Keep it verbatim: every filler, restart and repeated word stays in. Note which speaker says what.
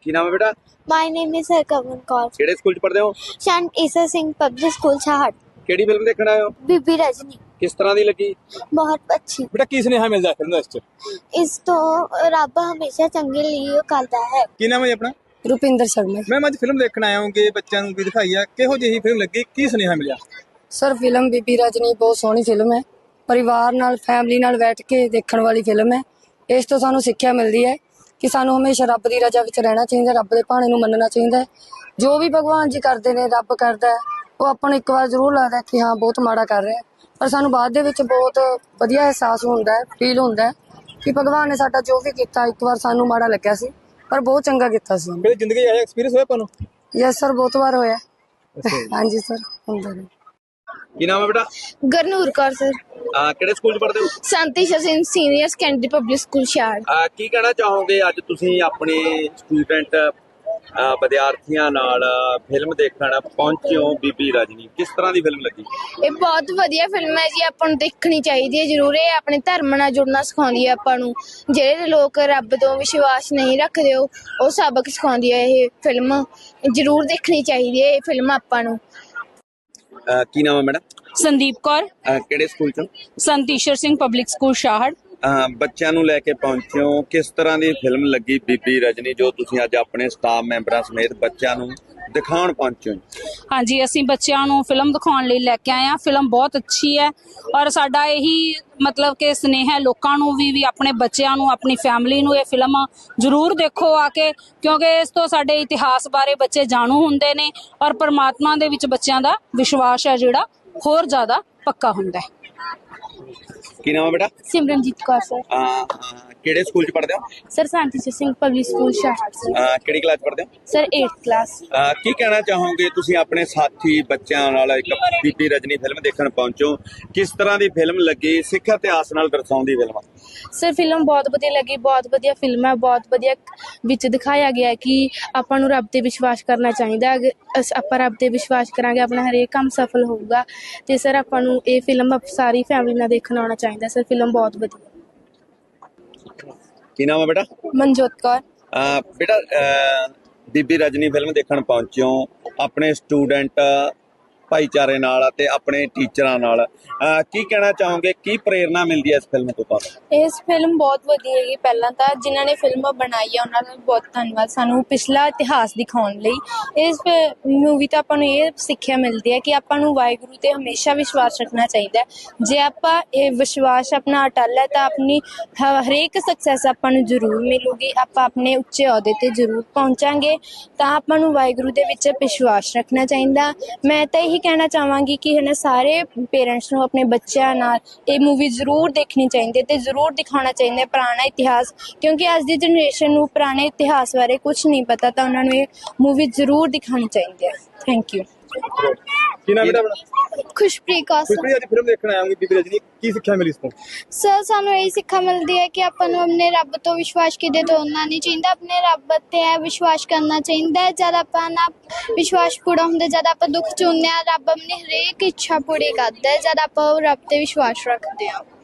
Speaker 1: ਕੀ ਨਾਮ ਹੈ ਬੇਟਾ?
Speaker 2: My name is Harkavan Kaur.
Speaker 1: ਕਿਹੜੇ ਸਕੂਲ ਚ ਪੜ੍ਹਦੇ ਹੋ?
Speaker 2: Shant Isa Singh Public School Chahat.
Speaker 1: ਕਿਹੜੀ ਫਿਲਮ ਦੇਖਣ ਆਏ ਹੋ?
Speaker 2: ਬੀਬੀ ਰਜਨੀ
Speaker 1: ਕਿਸ ਤਰ੍ਹਾਂ ਦੀ ਲੱਗੀ?
Speaker 2: ਬਹੁਤ ਅੱਛੀ।
Speaker 1: ਬੇਟਾ ਕੀ ਸੁਨੇਹਾ ਮਿਲਦਾ ਫਿਲਮ ਦਾ ਇਸ ਚ?
Speaker 2: ਇਸ ਤੋਂ ਰੱਬ ਹਮੇਸ਼ਾ ਚੰਗੇ ਲਈ ਕਰਦਾ ਹੈ।
Speaker 1: ਕੀ ਨਾਮ ਹੈ ਜੀ ਆਪਣਾ?
Speaker 3: ਰੁਪਿੰਦਰ ਸ਼ਰਮਾ।
Speaker 1: ਮੈਂ ਅੱਜ ਫਿਲਮ ਦੇਖਣ ਆਇਆ ਹਾਂ ਕਿ ਬੱਚਿਆਂ ਨੂੰ ਵੀ ਦਿਖਾਈ ਆ, ਕਿਹੋ ਜਿਹੀ ਫਿਲਮ ਲੱਗੀ, ਕੀ ਸੁਨੇਹਾ ਮਿਲਿਆ?
Speaker 3: ਸਰ ਫਿਲਮ ਬੀਬੀ ਰਜਨੀ ਬਹੁਤ ਸੋਹਣੀ ਫਿਲਮ ਹੈ। ਪਰਿਵਾਰ ਨਾਲ ਫੈਮਿਲੀ ਨਾਲ ਬੈਠ ਕੇ ਦੇਖਣ ਵਾਲੀ ਫਿਲਮ ਹੈ। ਇਸ ਤੋਂ ਸਾਨੂੰ ਸਿੱਖਿਆ ਮਿਲਦੀ ਹੈ ਕਿ ਸਾਨੂੰ ਹਮੇਸ਼ਾ ਰੱਬ ਦੀ ਰਜ਼ਾ ਵਿੱਚ ਰਹਿਣਾ ਚਾਹੀਦਾ, ਰੱਬ ਦੇ ਭਾਣੇ ਨੂੰ ਮੰਨਣਾ ਚਾਹੀਦਾ ਹੈ। ਜੋ ਵੀ ਭਗਵਾਨ ਜੀ ਕਰਦੇ ਨੇ, ਰੱਬ ਕਰਦਾ ਹੈ, ਉਹ ਆਪਾਂ ਨੂੰ ਇੱਕ ਵਾਰ ਜ਼ਰੂਰ ਲੱਗਦਾ ਕਿ ਹਾਂ ਬਹੁਤ ਮਾੜਾ ਕਰ ਰਿਹਾ, ਪਰ ਸਾਨੂੰ ਬਾਅਦ ਦੇ ਵਿੱਚ ਬਹੁਤ ਵਧੀਆ ਅਹਿਸਾਸ ਹੁੰਦਾ ਹੈ, ਫੀਲ ਹੁੰਦਾ ਹੈ ਕਿ ਭਗਵਾਨ ਨੇ ਸਾਡਾ ਜੋ ਵੀ ਕੀਤਾ, ਇੱਕ ਵਾਰ ਸਾਨੂੰ ਮਾੜਾ ਲੱਗਿਆ ਸੀ ਪਰ ਬਹੁਤ ਚੰਗਾ ਕੀਤਾ ਸੀ।
Speaker 1: ਮੇਰੀ ਜ਼ਿੰਦਗੀ ਇਹ ਐਕਸਪੀਰੀਅੰਸ ਹੋਇਆ ਤੁਹਾਨੂੰ?
Speaker 3: ਯੈਸ ਸਰ, ਬਹੁਤ ਵਾਰ ਹੋਇਆ। ਹਾਂਜੀ ਸਰ, ਹੁੰਦਾ ਹੈ।
Speaker 1: ਕੀ ਨਾਮ ਹੈ ਬੇਟਾ?
Speaker 2: ਗਰਨੂਰ ਕੌਰ ਸਰ।
Speaker 1: ਆ ਕਿਹੜੇ ਸਕੂਲ ਚ ਪੜ੍ਹਦੇ ਹੋ?
Speaker 2: Sant Isha Singh senior secondary public school Shahar.
Speaker 1: ਆ ਕੀ ਕਹਿਣਾ ਚਾਹੋਗੇ ਅੱਜ ਤੁਸੀਂ ਆਪਣੇ ਸਟੂਡੈਂਟ ਵਿਦਿਆਰਥੀਆਂ ਨਾਲ ਫਿਲਮ ਦੇਖਣ ਪਹੁੰਚੇ ਹੋ ਬੀਬੀ ਰਜਨੀ, ਕਿਸ ਤਰ੍ਹਾਂ ਦੀ ਫਿਲਮ ਲੱਗੀ?
Speaker 2: ਇਹ ਬਹੁਤ ਵਧੀਆ ਫਿਲਮ ਹੈ ਜੀ, ਆਪਾਂ ਨੂੰ ਦੇਖਣੀ ਚਾਹੀਦੀ ਹੈ ਜ਼ਰੂਰ। ਇਹ ਆਪਣੇ ਧਰਮ ਨਾਲ ਜੁੜਨਾ ਸਿਖਾਉਂਦੀ ਹੈ ਆਪਾਂ ਨੂੰ। ਜਿਹੜੇ ਲੋਕ ਰੱਬ ਤੋਂ ਵਿਸ਼ਵਾਸ ਨਹੀਂ ਰੱਖਦੇ ਉਹ ਉਹ ਸਬਕ ਸਿਖਾਉਂਦੀ ਹੈ ਇਹ ਫਿਲਮ। ਜ਼ਰੂਰ ਦੇਖਣੀ ਚਾਹੀਦੀ ਹੈ ਇਹ ਫਿਲਮ ਆਪਾਂ ਨੂੰ।
Speaker 1: ਕੀ ਨਾਮ ਹੈ ਮੈਡਮ?
Speaker 4: ਸੰਦੀਪ ਕੌਰ।
Speaker 1: ਕਿਹੜੇ ਸਕੂਲ ਚ?
Speaker 4: Sant Ishar Singh public school Shahar.
Speaker 1: ਬੱਚਿਆਂ ਨੂੰ ਲੈ ਕੇ ਪਹੁੰਚੇ ਹੋ, ਕਿਸ ਤਰ੍ਹਾਂ ਦੀ ਫਿਲਮ ਲੱਗੀ ਬੀਬੀ ਰਜਨੀ ਜੋ ਤੁਸੀਂ ਅੱਜ ਆਪਣੇ ਸਟਾਫ ਮੈਂਬਰਾਂ ਸਮੇਤ ਬੱਚਿਆਂ ਨੂੰ ਦਿਖਾਉਣ ਪਹੁੰਚੇ ਹੋ?
Speaker 4: ਹਾਂਜੀ, ਅਸੀਂ ਬੱਚਿਆਂ ਨੂੰ ਫਿਲਮ ਦਿਖਾਉਣ ਲਈ ਲੈ ਕੇ ਆਏ ਹਾਂ। ਫਿਲਮ ਬਹੁਤ ਅੱਛੀ ਹੈ ਔਰ ਸਾਡਾ ਇਹੀ ਮਤਲਬ ਕਿ ਸਨੇਹ ਹੈ ਲੋਕਾਂ ਨੂੰ ਵੀ ਵੀ ਆਪਣੇ ਬੱਚਿਆਂ ਨੂੰ, ਆਪਣੀ ਫੈਮਿਲੀ ਨੂੰ ਇਹ ਫਿਲਮ ਜ਼ਰੂਰ ਦੇਖੋ ਆ ਕੇ, ਕਿਉਂਕਿ ਇਸ ਤੋਂ ਸਾਡੇ ਇਤਿਹਾਸ ਬਾਰੇ ਬੱਚੇ ਜਾਣੂ ਹੁੰਦੇ ਨੇ ਔਰ ਪਰਮਾਤਮਾ ਦੇ ਵਿੱਚ ਬੱਚਿਆਂ ਦਾ ਵਿਸ਼ਵਾਸ ਹੈ ਜਿਹੜਾ ਹੋਰ ਜ਼ਿਆਦਾ ਪੱਕਾ ਹੁੰਦਾ ਹੈ।
Speaker 1: ਕੀ ਨਾਮ ਹੈ ਬੇਟਾ?
Speaker 2: ਸਿਮਰਨਜੀਤ ਕੌਰ ਸਰ।
Speaker 1: ਕਿਹੜੇ ਸਕੂਲ ਚ ਪੜ੍ਹਦੇ ਹੋ?
Speaker 2: Sir Sant Isha Singh public school Shahar.
Speaker 1: ਕਿਹੜੀ ਕਲਾਸ ਪੜ੍ਹਦੇ ਹੋ?
Speaker 2: ਸਰ ਅੱਠਵੀਂ ਕਲਾਸ।
Speaker 1: ਕੀ ਕਹਿਣਾ ਚਾਹੋਗੇ ਤੁਸੀਂ ਆਪਣੇ ਸਾਥੀ ਬੱਚਿਆਂ ਨਾਲ ਇੱਕ ਬੀਬੀ ਰਜਨੀ ਫਿਲਮ ਦੇਖਣ ਪਹੁੰਚੋ, ਕਿਸ ਤਰ੍ਹਾਂ ਦੀ ਫਿਲਮ ਲੱਗੀ? ਸਿੱਖ ਇਤਿਹਾਸ ਨਾਲ ਦਰਸਾਉਂਦੀ ਫਿਲਮ।
Speaker 2: ਸਰ ਫਿਲਮ ਬਹੁਤ ਵਧੀਆ ਲੱਗੀ, ਬਹੁਤ ਵਧੀਆ ਫਿਲਮ ਹੈ। ਬਹੁਤ ਵਧੀਆ ਵਿੱਚ ਦਿਖਾਇਆ ਗਿਆ ਕਿ ਆਪਾਂ ਨੂੰ ਰੱਬ ਤੇ ਵਿਸ਼ਵਾਸ ਕਰਨਾ ਚਾਹੀਦਾ। ਅਗਰ ਆਪਾਂ ਰੱਬ ਤੇ ਵਿਸ਼ਵਾਸ ਕਰਾਂਗੇ ਆਪਣਾ ਹਰੇਕ ਕੰਮ ਸਫਲ ਹੋਊਗਾ। ਤੇ ਸਰ ਆਪਾਂ ਨੂੰ ਇਹ ਫਿਲਮ ਸਾਰੀ ਫੈਮਿਲੀ ਨਾਲ ਦੇਖਣ ਆਉਣਾ ਚਾਹੀਦਾ। ਸਰ ਫਿਲਮ ਬਹੁਤ ਵਧੀਆ।
Speaker 1: ਕੀ ਨਾਮ ਹੈ ਬੇਟਾ?
Speaker 2: ਮਨਜੋਤ ਕੌਰ।
Speaker 1: ਬੇਟਾ ਬੀਬੀ ਰਜਨੀ ਫਿਲਮ ਦੇਖਣ ਪਹੁੰਚੇ ਹੋ ਆਪਣੇ ਸਟੂਡੈਂਟ ਭਾਈਚਾਰੇ ਨਾਲ ਅਤੇ ਆਪਣੇ ਟੀਚਰਾਂ ਨਾਲ, ਕੀ ਕਹਿਣਾ ਚਾਹੋਗੇ, ਕੀ ਪ੍ਰੇਰਨਾ ਮਿਲਦੀ ਹੈ ਇਸ ਫਿਲਮ ਤੋਂ ਤੁਹਾਨੂੰ?
Speaker 5: ਇਸ ਫਿਲਮ ਬਹੁਤ ਵਧੀਆ ਹੈਗੀ। ਪਹਿਲਾਂ ਤਾਂ ਜਿਨ੍ਹਾਂ ਨੇ ਫਿਲਮ ਬਣਾਈ ਹੈ ਉਹਨਾਂ ਦਾ ਬਹੁਤ ਧੰਨਵਾਦ, ਸਾਨੂੰ ਪਿਛਲਾ ਇਤਿਹਾਸ ਦਿਖਾਉਣ ਲਈ। ਇਸ ਮੂਵੀ ਤੋਂ ਆਪਾਂ ਨੂੰ ਇਹ ਸਿੱਖਿਆ ਮਿਲਦੀ ਹੈ ਕਿ ਆਪਾਂ ਨੂੰ ਵਾਹਿਗੁਰੂ ਤੇ ਹਮੇਸ਼ਾ ਵਿਸ਼ਵਾਸ ਰੱਖਣਾ ਚਾਹੀਦਾ ਹੈ। ਜੇ ਆਪਾਂ ਇਹ ਵਿਸ਼ਵਾਸ ਆਪਣਾ ਅਟੱਲ ਹੈ ਤਾਂ ਆਪਣੀ ਹਰੇਕ ਸਕਸੈਸ ਆਪਾਂ ਨੂੰ ਜ਼ਰੂਰ ਮਿਲੂਗੀ। ਆਪਾਂ ਆਪਣੇ ਉੱਚੇ ਅਹੁਦੇ ਤੇ ਜ਼ਰੂਰ ਪਹੁੰਚਾਂਗੇ। ਤਾਂ ਆਪਾਂ ਨੂੰ ਵਾਹਿਗੁਰੂ ਦੇ ਵਿੱਚ ਵਿਸ਼ਵਾਸ ਰੱਖਣਾ ਚਾਹੀਦਾ। ਮੈਂ ਤਾਂ ਇਹੀ ਕਹਿਣਾ ਚਾਹਾਂਗੀ ਕਿ ਹੈ ਨਾ ਸਾਰੇ ਪੇਰੈਂਟਸ ਨੂੰ ਆਪਣੇ ਬੱਚਿਆਂ ਨਾਲ ਇਹ ਮੂਵੀ ਜ਼ਰੂਰ ਦੇਖਣੀ ਚਾਹੀਦੀ ਹੈ ਤੇ ਜ਼ਰੂਰ ਦਿਖਾਉਣਾ ਚਾਹੀਦਾ ਹੈ ਪੁਰਾਣਾ ਇਤਿਹਾਸ, ਕਿਉਂਕਿ ਅੱਜ ਦੀ ਜਨਰੇਸ਼ਨ ਨੂੰ ਪੁਰਾਣੇ ਇਤਿਹਾਸ ਬਾਰੇ ਕੁਝ ਨਹੀਂ ਪਤਾ। ਤਾਂ ਉਹਨਾਂ ਨੂੰ ਇਹ ਮੂਵੀ ਜ਼ਰੂਰ ਦਿਖਾਉਣੀ ਚਾਹੀਦੀ ਹੈ। Thank you.
Speaker 1: ਕੀ ਨਾਮ ਹੈ ਆਪਣਾ?
Speaker 2: ਖੁਸ਼ਪ੍ਰੀਤ ਕੌਰ।
Speaker 1: ਖੁਸ਼ਪ੍ਰੀਤ, ਅੱਜ ਫਿਲਮ ਦੇਖਣ ਆਇਆ ਹਾਂ ਬੀਬੀ ਰਜਨੀ, ਕੀ ਸਿੱਖਿਆ ਮਿਲੀ ਇਸ ਤੋਂ?
Speaker 2: ਸਰ ਸਾਨੂੰ ਇਹੀ ਸਿੱਖਿਆ ਮਿਲਦੀ ਹੈ ਕਿ ਆਪਾਂ ਨੂੰ ਆਪਣੇ ਰੱਬ ਤੋਂ ਵਿਸ਼ਵਾਸ ਕਿਤੇ ਤੋੜਨਾ ਨਹੀਂ ਚਾਹੀਦਾ। ਆਪਣੇ ਰੱਬ ਤੇ ਵਿਸ਼ਵਾਸ ਕਰਨਾ ਚਾਹੀਦਾ। ਜਦ ਆਪਾਂ ਨਾ ਵਿਸ਼ਵਾਸ ਪੂਰਾ ਹੁੰਦਾ, ਜਦ ਆਪਾਂ ਦੁੱਖ ਚੁੰਨੇ ਹਾਂ, ਰੱਬ ਆਪਣੀ ਹਰੇਕ ਇੱਛਾ ਪੂਰੀ ਕਰਦਾ ਹੈ ਜਦ ਆਪਾਂ ਉਹ ਰੱਬ ਤੇ ਵਿਸ਼ਵਾਸ ਰੱਖਦੇ ਹਾਂ।